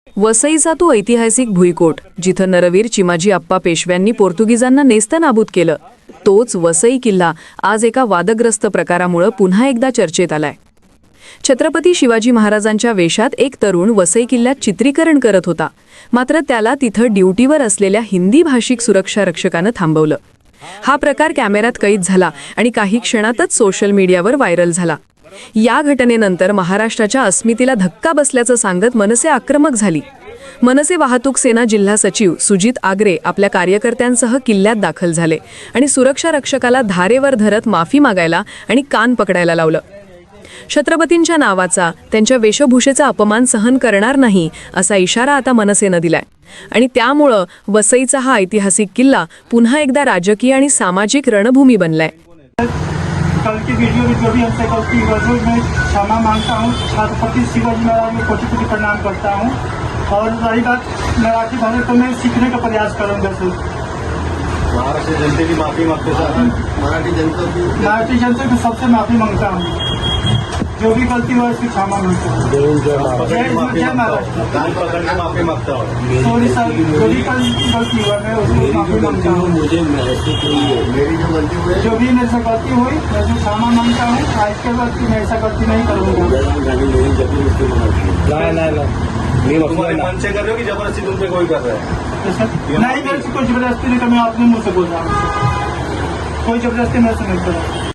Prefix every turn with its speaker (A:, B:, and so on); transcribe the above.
A: वसईचा तो ऐतिहासिक भुईकोट जिथं नरवीर चिमाजी आप्पा पेशव्यांनी पोर्तुगीजांना नेस्तनाबूत केलं, तोच वसई किल्ला आज एका वादग्रस्त प्रकारामुळे पुन्हा एकदा चर्चेत आलाय। छत्रपती शिवाजी महाराजांच्या वेशात एक तरुण वसई किल्ल्यात चित्रीकरण करत होता, मात्र त्याला तिथं ड्युटीवर असलेल्या हिंदी भाषिक सुरक्षा रक्षकानं थांबवलं। हा प्रकार कॅमेऱ्यात कैद झाला आणि काही क्षणातच सोशल मीडियावर व्हायरल झाला। या घटनेनंतर महाराष्ट्राच्या अस्मितेला धक्का बसल्याचं सांगत मनसे आक्रमक झाली। मनसे वाहतूक सेना जिल्हा सचिव सुजित आगरे आपल्या कार्यकर्त्यांसह किल्ल्यात दाखल झाले आणि सुरक्षा रक्षकाला धारेवर धरत माफी मागायला आणि कान पकडायला लावलं। छत्रपतींच्या नावाचा, त्यांच्या वेशभूषेचा अपमान सहन करणार नाही असा इशारा आता मनसेनं दिलाय आणि त्यामुळं वसईचा हा ऐतिहासिक किल्ला पुन्हा एकदा राजकीय आणि सामाजिक रणभूमी बनलाय।
B: कल की वीडियो में जो भी हमसे गलती हुई है मैं क्षमा मांगता हूँ। छत्रपति शिवाजी महाराज को कोटि कोटि प्रणाम करता हूँ। और रही बात मराठी भाषा, तो मैं सीखने का प्रयास करूँगा सर।
C: महाराष्ट्र जनते की माफी मांगते सर। मराठी जनता
B: की सबसे माफी मांगता हूँ। जो भी गलती हुआ उसकी क्षमा मांगता हूँ। जय महाराष्ट्र।
C: कान पकड़ने माफी मांगता हूँ।
B: सॉरी सर, जो भी गलती हुआ मैं उसको माफी मांगता हूँ।
C: मुझे मेरी जो गलती हुई
B: जो भी मेरे से गलती हुई मैं उसको क्षमा मांगता हूँ। आज के बाद मैं ऐसा गलती नहीं करूँगा।
C: तुम्हारे मन से कर रहे हो कि जबरदस्ती तुम पे कोई कर रहा है?
B: नहीं, मेरे से कोई जबरदस्ती नहीं कर, मैं अपने मुंह से बोल रहा हूँ। कोई जबरदस्ती मेरे से नहीं कर रहा।